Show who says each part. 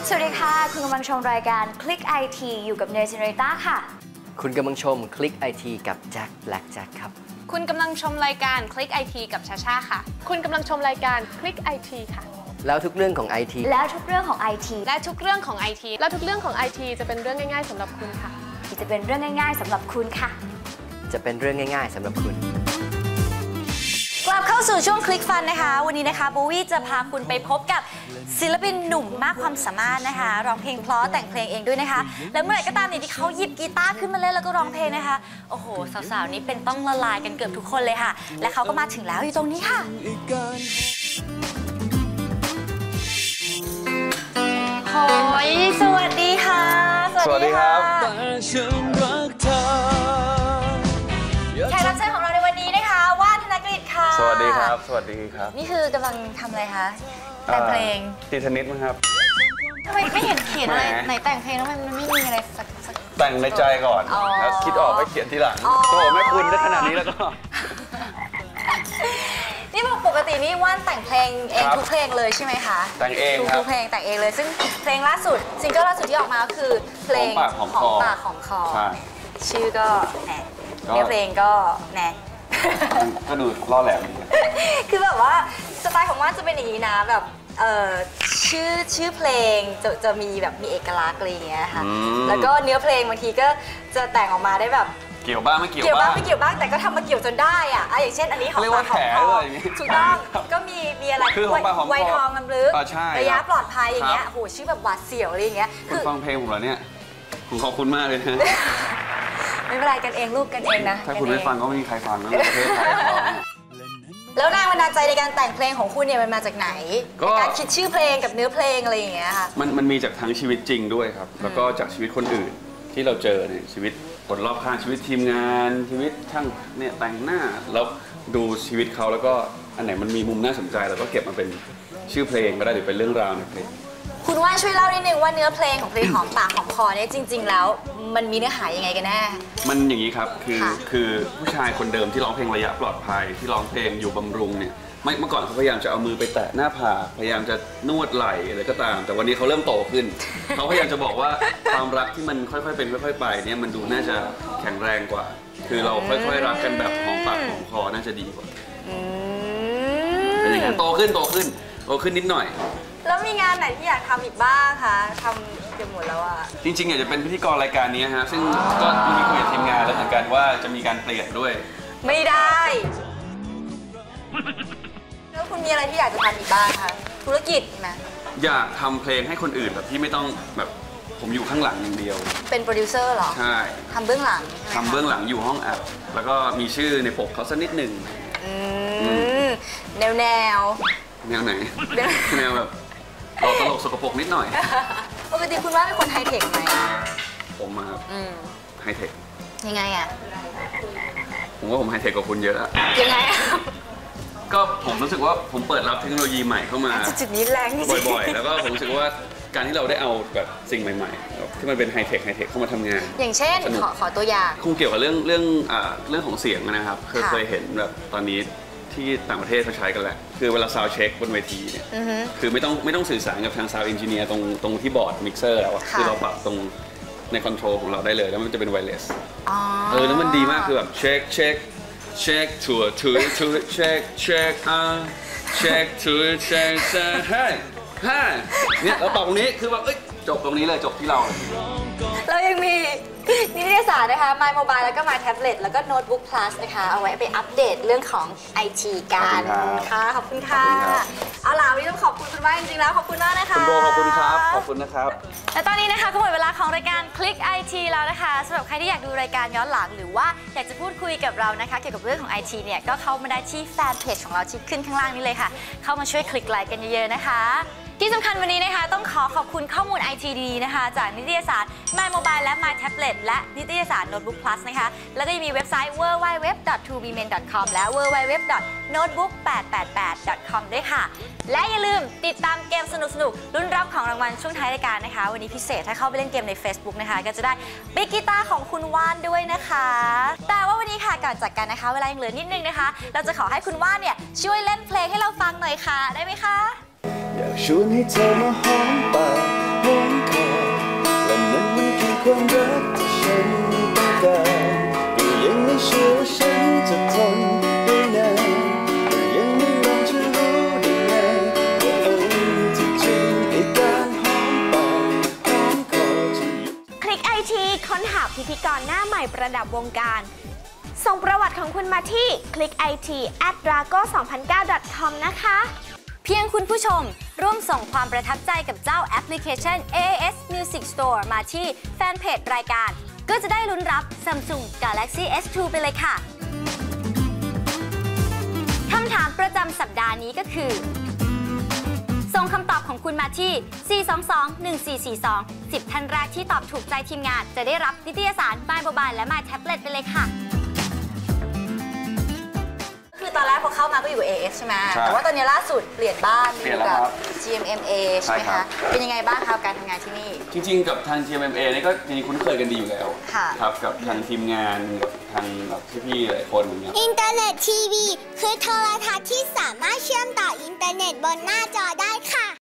Speaker 1: สวัสดีค่ะคุณกำลังชมรายการคลิกไอทีอยู่กับเนย เจเนเรต้าค่ะ
Speaker 2: คุณกำลังชมคลิกไอทีกับแจ็คแบล็กแจ็คครับ
Speaker 3: คุณกำลังชมรายการคลิกไอทีกับชาชาค่ะคุณกำลังชมรายการคลิกไอทีค่ะ
Speaker 2: แล้วทุกเรื่องของไอที
Speaker 1: แล้วทุกเรื่องของไอที
Speaker 3: และทุกเรื่องของไอทีและทุกเรื่องของไอทีจะเป็นเรื่องง่ายๆสำหรับคุณค่ะ
Speaker 1: จะเป็นเรื่องง่ายๆสำหรับคุณค่ะ
Speaker 2: จะเป็นเรื่องง่ายๆสำหรับคุณ
Speaker 1: กลับเข้าสู่ช่วงคลิกฟันนะคะวันนี้นะคะโบวี่จะพาคุณไปพบกับศิลปินหนุ่มมากความสามารถนะคะร้องเพลงเพราะแต่งเพลงเองด้วยนะคะแล้วเมื่อไหร่ก็ตามเนี่ยที่เขาหยิบกีตาร์ขึ้นมาเล่นแล้วก็ร้องเพลงนะคะโอ้โหสาวๆนี้เป็นต้องละลายกันเกือบทุกคนเลยค่ะและเขาก็มาถึงแล้วอยู่ตรงนี้ค่ะโอ้ยสวัสดีค่ะ
Speaker 4: สวัสดีครับ
Speaker 1: แขกรับเชิญของเราในวันนี้นะคะว่านธนกฤษค่ะ
Speaker 4: สวัสดีครับสวัสดีครับ
Speaker 1: นี่คือกำลังทำอะไรคะแต่งเพลง
Speaker 4: ตีเทนนิสมั้งครับ
Speaker 1: ทำไมไม่เห็นเขียนอะไรไหนแต่งเพลงแล้วมันไม่มีอะไรสัก
Speaker 4: แต่งในใจก่อนแล้วคิดออกไปเขียนทีหลังโอ้แม่คุณได้ขนาดนี้แล้วก็
Speaker 1: นี่ปกตินี่ว่านแต่งเพลงเองทุกเพลงเลยใช่ไหมคะ
Speaker 4: แต่งเองครับ
Speaker 1: ทุกเพลงแต่งเองเลยซึ่งเพลงล่าสุดซิงเกิลล่าสุดที่ออกมาก็คือเพลงของปากของคอชื่อก็แหนเนื้อเพลงก็แหน
Speaker 4: ก็ดูล่อแหลม
Speaker 1: คือแบบว่าสไตล์ของว่านจะเป็นอย่างนี้นะแบบชื่อเพลงจะมีแบบมีเอกลักษณ์อะไรอย่างเงี้ยค่ะแล้วก็เนื้อเพลงบางทีก็จะแต่งออกมาได้แบบ
Speaker 4: เกี่ยวบ้างไม่เกี่ยว
Speaker 1: บ้างไม่เกี่ยวบ้างแต่ก็ทำมาเกี่ยวจนได้อ่ะอย่างเช่นอันนี้ของปากของคอถูกต้องก็มีอะไร
Speaker 4: คือของปากของคอ
Speaker 1: ไวทองลำลึกระยะปลอดภัยอย่างเงี้ยโหชื่อแบบหวาดเสียวอะไรอย่างเงี้ย
Speaker 4: คุณฟังเพลงผมเหรอเนี่ยผมขอบคุณมากเลยนะ
Speaker 1: ไม่เป็นไรกันเองลูกกันเองนะ
Speaker 4: ถ้าคุณไม่ฟังก็ไม่มีใครฟังนะประเทศไทย
Speaker 1: แล้วแรงบันดาลใจในการแต่งเพลงของคุณเนี่ยมันมาจากไหนการคิดชื่อเพลงกับเนื้อเพลงอะไรอย่างเงี้ยค่ะ
Speaker 4: มันมีจากทั้งชีวิตจริงด้วยครับแล้วก็จากชีวิตคนอื่นที่เราเจอในชีวิตคนรอบข้างชีวิตทีมงานชีวิตช่างเนี่ยแต่งหน้าแล้วดูชีวิตเขาแล้วก็อันไหนมันมีมุมน่าสนใจเราก็เก็บมาเป็นชื่อเพลงก็ได้หรือเป็นเรื่องราวในเพลง
Speaker 1: คุณว่าช่วยเล่านิดนึงว่าเนื้อเพลงของเพลงหอมปากหอมคอเนี่ยจริงๆแล้วมันมีเนื้อหายังไงกันแน่
Speaker 4: มันอย่างนี้ครับคือผู้ชายคนเดิมที่ร้องเพลงระยะปลอดภัยที่ร้องเพลงอยู่บำรุงเนี่ยเมื่อก่อนเขาพยายามจะเอามือไปแตะหน้าผากพยายามจะนวดไหล่อะไรก็ตามแต่วันนี้เขาเริ่มโตขึ้นเขาพยายามจะบอกว่าความรักที่มันค่อยๆเป็นค่อยๆไปเนี่ยมันดูน่าจะแข็งแรงกว่าคือเราค่อยๆรักกันแบบหอมปากหอมคอน่าจะดีกว่าเป็นอย่างนั้นโตขึ้นนิดหน่อย
Speaker 1: แล้วมีงานไหนที่อยากทำอีกบ้างคะทำเกือบหมดแล้วอะ
Speaker 4: จริงๆอยากจะเป็นพิธีกรรายการนี้ฮะซึ่งก็มีคุยกับทีมงานแล้วเหมือนกันว่าจะมีการเปลี่ยนด้วย
Speaker 1: ไม่ได้แล้วคุณมีอะไรที่อยากจะทำอีกบ้างคะธุรกิจนะ
Speaker 4: อยากทำเพลงให้คนอื่นแบบที่ไม่ต้องแบบผมอยู่ข้างหลังอย่างเดียว
Speaker 1: เป็นโปรดิวเซอร์เหรอ
Speaker 4: ใช่
Speaker 1: ทำเบื้องหลัง
Speaker 4: ทำเบื้องหลังอยู่ห้องอัดแล้วก็มีชื่อในปกเขาสักนิดหนึ่ง
Speaker 1: แนวไหน
Speaker 4: แนวแบบเราตลกสกปรกนิดหน่อย
Speaker 1: ปกติคุณว่าเป็นคนไฮเทคไหม
Speaker 4: ผมมาครับไฮเทค
Speaker 1: ยังไงอะ
Speaker 4: ผมว่าผมไฮเทคกว่าคุณเยอะอะ
Speaker 1: ยังไง
Speaker 4: ก็ผมรู้สึกว่าผมเปิดรับเทคโนโลยีใหม่เข้ามา
Speaker 1: จุดนี้แรง
Speaker 4: บ่อยๆแล้วก็ผมรู้สึกว่าการที่เราได้เอาแบบสิ่งใหม่ๆที่มันเป็นไฮเทคเข้ามาทำงาน
Speaker 1: อย่างเช่นขอตัวอย่าง
Speaker 4: คงเกี่ยวกับเรื่องของเสียงนะครับเคยเห็นแบบตอนนี้ที่ต่างประเทศเขาใช้กันแหละคือเวลาซาวด์เช็คบนเวทีเนี่ยคือไม่ต้องสื่อสารกับทางซาวด์เอนจิเนียร์ตรงที่บอร์ดมิกเซอร์แล้วคือเราปรับตรงในคอนโทรลของเราได้เลยแล้วมันจะเป็นไวเลสแล้วมันดีมากคือแบบเช็คเช็คเนี่ยเราปรับตรงนี้คือแบบจบตรงนี้เลยจบที่เรา
Speaker 1: เรายังมีนิตยสารนะคะ My Mobile แล้วก็ My Tablet แล้วก็ Notebook Plus นะคะเอาไว้ไปอัปเดตเรื่องของ IT กันค่ะขอบคุณค่ะเอาล่ะวันนี้ต้องขอบคุณคุณว่านจริงๆแล้วขอบคุณมากนะคะ
Speaker 4: คุณโบขอบคุณครับขอบคุณนะครับ
Speaker 1: และตอนนี้นะคะก็หมดเวลาของรายการ Click IT แล้วนะคะสำหรับใครที่อยากดูรายการย้อนหลังหรือว่าอยากจะพูดคุยกับเรานะคะเกี่ยวกับเรื่องของ IT เนี่ยก็เข้ามาได้ที่แฟนเพจของเราที่ขึ้นข้างล่างนี้เลยค่ะเข้ามาช่วยคลิกไลค์กันเยอะๆนะคะที่สำคัญวันนี้นะคะต้องขอบคุณข้อมูล IT ดีๆนะคะจากนิตยสาร My Mobile และ My Tablet และนิตยสาร Notebook Plus นะคะแล้วก็ยังมีเว็บไซต์ www.2bmen.com และ www.notebook888.com ด้วยค่ะและอย่าลืมติดตามเกมสนุกๆลุ้นรับของรางวัลช่วงท้ายรายการนะคะวันนี้พิเศษถ้าเข้าไปเล่นเกมใน Facebook นะคะก็จะได้ปิกกีตาร์ของคุณว่านด้วยนะคะแต่ว่าวันนี้ค่ะก่อนจากกันนะคะเวลายังเหลือนิดนึงนะคะเราจะขอให้คุณว่านเนี่ยช่วยเล่นเพลงให้เราฟังหน่อยค่ะได้ไหมคะ
Speaker 5: อยากชวนให้เธอมาหอมปากหอมคอและนั่นมันคือความรักที่ฉันต้องการก็ยังไม่เชื่อว่าฉันจะทนได้นานก็ยังไม่ลองจะรู้ได้ไงว่าที่จริงไอ้การหอมปากหอมคอจะอยู่
Speaker 6: คลิกไอทีค้นหาพิธีกรหน้าใหม่ประดับวงการส่งประวัติของคุณมาที่ clickit@drago2009.com นะคะ
Speaker 1: เพียงคุณผู้ชมร่วมส่งความประทับใจกับเจ้าแอปพลิเคชัน AAS Music Store มาที่แฟนเพจรายการ ก็จะได้ลุ้นรับ Samsung Galaxy S2 ไปเลยค่ะ คำถามประจำสัปดาห์นี้ก็คือ ส่งคำตอบของคุณมาที่ 422-1442 10 ท่านแรกที่ตอบถูกใจทีมงานจะได้รับนิตยสาร My Mobile และ My Tablet ไปเลยค่ะ คือตอนแรกพอเข้ามาก็อยู่ AF ใช่ไหม
Speaker 4: ใช่
Speaker 1: แต่ว่าตอนนี้ล่าสุดเปลี่ยนบ้าน
Speaker 4: เปลี่ยนแล้วครับ
Speaker 1: GMMA ใช่ไหม
Speaker 4: ใช่ครั
Speaker 1: คะ
Speaker 4: บ
Speaker 1: เป็นยังไงบ้างคะการทำงานที่นี่
Speaker 4: จริงๆ กับทาง GMMA นี่ก็จริงๆคุ้นเคยกันดีอยู่แล้ว
Speaker 1: ค่ะ
Speaker 4: ครับกับทางทีมงานกับทางแบบพี่ๆหลายคนอย่างเงี้ย
Speaker 7: อินเทอร์เน็ตทีวีคือโทรทัศน์ที่สามารถเชื่อมต่ออินเทอร์เน็ตบนหน้าจอได้ค่ะ